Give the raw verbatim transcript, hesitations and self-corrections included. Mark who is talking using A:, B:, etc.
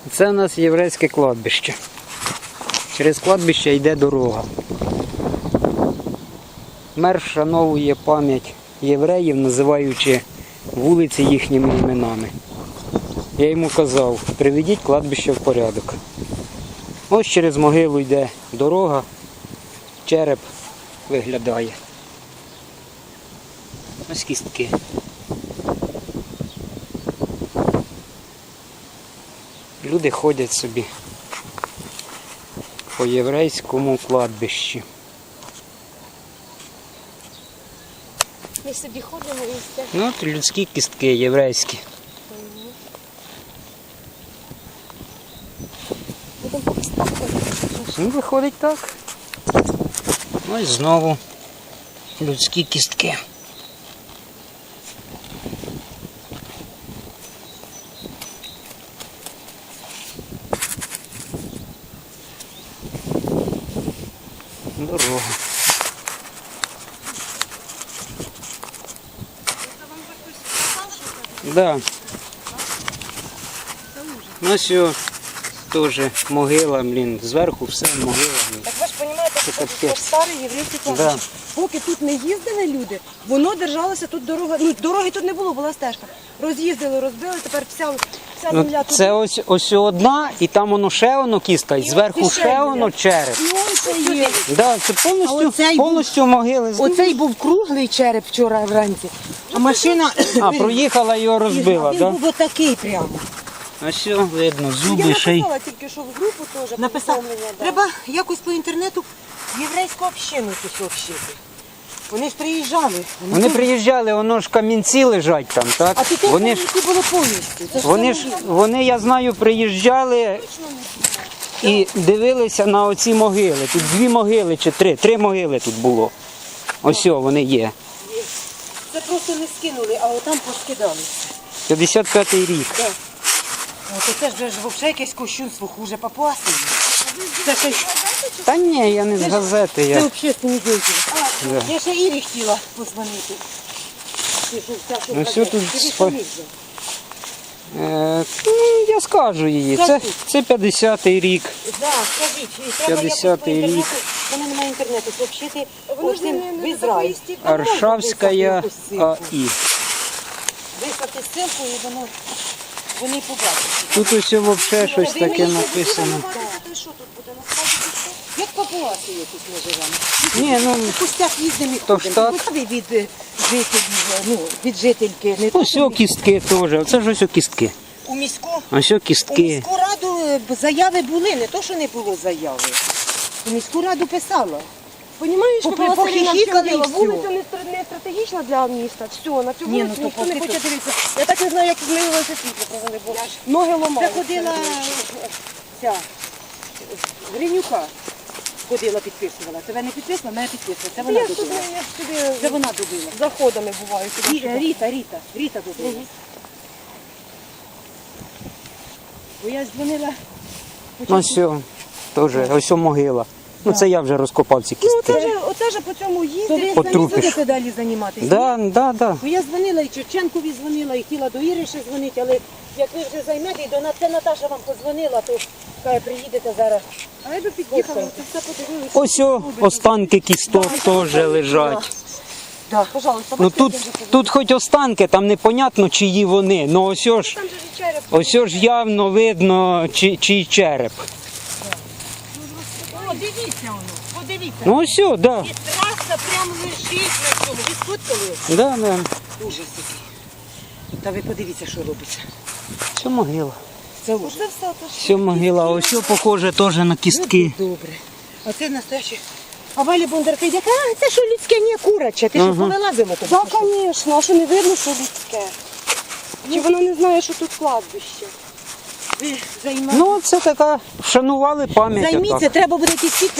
A: Це у нас єврейське кладбище. Через кладбище йде дорога. Мер вшановує пам'ять євреїв, називаючи вулиці їхніми іменами. Я йому казав, приведіть кладбище в порядок. Ось через могилу йде дорога, череп виглядає. Ось кістки. Люди ходять собі по єврейському кладбищі.
B: Ми собі ходимо і все.
A: Ну, от людські кістки єврейські. Ну, виходить так. Ось знову людські кістки. Дорога. Да. Ну все, теж могила, блін, зверху все могила. Блін.
B: Так ви ж розумієте, що
A: Це
B: це
A: капець.
B: старий єврейський кладбище.
A: Да.
B: Поки тут не їздили люди, воно держалося тут дорога. Ну, дороги тут не було, була стежка. Роз'їздили, розбили, тепер вся, вся
A: Ну,
B: земля тут.
A: це ось, ось одна, і там воно ще воно кістка, і зверху
B: ось ще
A: ще
B: є.
A: воно череп.
B: І он ще є.
A: Да, це повністю,
B: А оцей був-
A: повністю могили.
B: Оцей був круглий череп вчора вранці, а машина
A: А, проїхала, його розбила,
B: він
A: так?
B: був отакий прямо.
A: А все, видно,
B: Я
A: зуби ще й.
B: написала тільки, що в групу теж
C: Написав,
B: повідомлення, да.
C: треба якось по інтернету єврейську общину тут сообщити. Вони ж приїжджали.
A: Вони приїжджали, воно ж камінці лежать там, так?
C: А тут
A: Вони ж,
C: які були повністю. Це ж
A: вони
C: це
A: ж,
C: не-
A: вони, я знаю, приїжджали і дивилися на оці могили. Тут дві могили чи три, три могили тут було. Ось о, вони є.
C: Це просто не скинули, а отам поскидали.
A: п'ятдесят п'ятий рік.
C: О, то це ж вже ж взагалі якесь кощунство хуже папуаси. Це щось,
A: Та ні, я не з газети.
C: це
A: Я.
C: общественні діятелі.
A: Да.
C: Я ще Ірі хотіла позвонити. Ти що, вся, що
A: Ну,
C: в
A: все
C: газеті.
A: тут
C: Тобі
A: спа-
C: самі вже.
A: Е, ну, я скажу її. Це, це п'ятдесятий рік.
C: Да, скажіть, і треба якось по
A: п'ятдесятий
C: інтернету,
A: рік.
C: в мене немає інтернету, сообщити
B: Воно ж не,
C: оцим
B: не,
C: в
B: не
C: Ізраїль.
B: такої
A: Аршавська АІ.
C: Виставте ссылку і воно, вони побачать.
A: Тут ось взагалі щось таке написано.
B: Що тут буде? Насправді що?
C: Як папуаси якось ми живемо.
A: Ні, ну,
C: В пустях їздимо і
A: То ж
C: ходимо.
A: так.
C: Цікаві від е, жителів, ну, від жительки. Не
A: ось о кістки теж. Оце ж ось о кістки.
C: у міську,
A: Ось о
C: у
A: кістки.
C: міську раду е, заяви були, не то, що не було заяви. У міську раду писала.
B: Понімаєш,
C: По-
B: що Василіна
C: похихікали і
B: вчинила?
C: всьо.
B: Вулиця не стра- не стратегічна для міста. Все, на цю
C: Ні, ну,
B: вулицю
C: то
B: ніхто не
C: поки
B: хоче
C: то-
B: дивитися. Я так не знаю, як змінилося світло, правда, бо ноги
C: Це
B: ломаються.
C: ходила е, ця Гринюка. Ходила, підписувала. Тебе не підписувала, мене підписувала. Це вона
B: Я ж туди,
C: добила.
B: я ж туди
C: Це вона добила.
B: заходами буваю. туди,
C: Рі-
B: сюди.
C: Ріта, Ріта, Ріта добила. Бо я дзвонила.
A: Ну все, теж, ось о могила. Ну це я вже розкопав ці
B: Ну,
A: кістки.
B: оце ж, оце ж по цьому
C: То
B: їздить.
C: ви
A: От
C: самі
A: трупиш.
C: будете далі займатися?
A: Да, да, да.
C: Бо я дзвонила і Чевченкові дзвонила, і хотіла до Іри ще дзвонити, але як ви вже займете, і до На- це Наташа вам подзвонила, то каже, приїдете зараз.
B: А я би під'їхала, то все подивилися.
A: Ось о останки кісток теж лежать.
C: Да.
B: Пожалуйста,
A: Ну
B: бачите,
A: тут,
B: я вже подивилася.
A: тут хоч останки, там непонятно, чиї вони. Ну ось о ж,
B: Там же ж череп.
A: ось ж явно видно, чи, чий череп.
C: О, дивіться воно, подивіться.
A: Ну ось о, да.
C: І траса прямо лежить на цьому. Ви сфоткали?
A: Да, да.
C: Ужас який. Та ви подивіться, що робиться.
A: Це могила.
C: Це ужас.
B: Це все то ж.
A: Все могила, ось о похоже теж на кістки.
C: Добре. А це настояще. А Валя Бондарка йде, а це що людське, не кураче. Ти що
A: Ага.
C: повилазила туди?
B: Так, звісно, а що не видно, що людське? Чи вона не знає, що тут кладбище?
C: Ви займаєтеся.
A: Ну це така, вшанували пам'ять.
C: Займіться,
A: отак.
C: треба буде якісь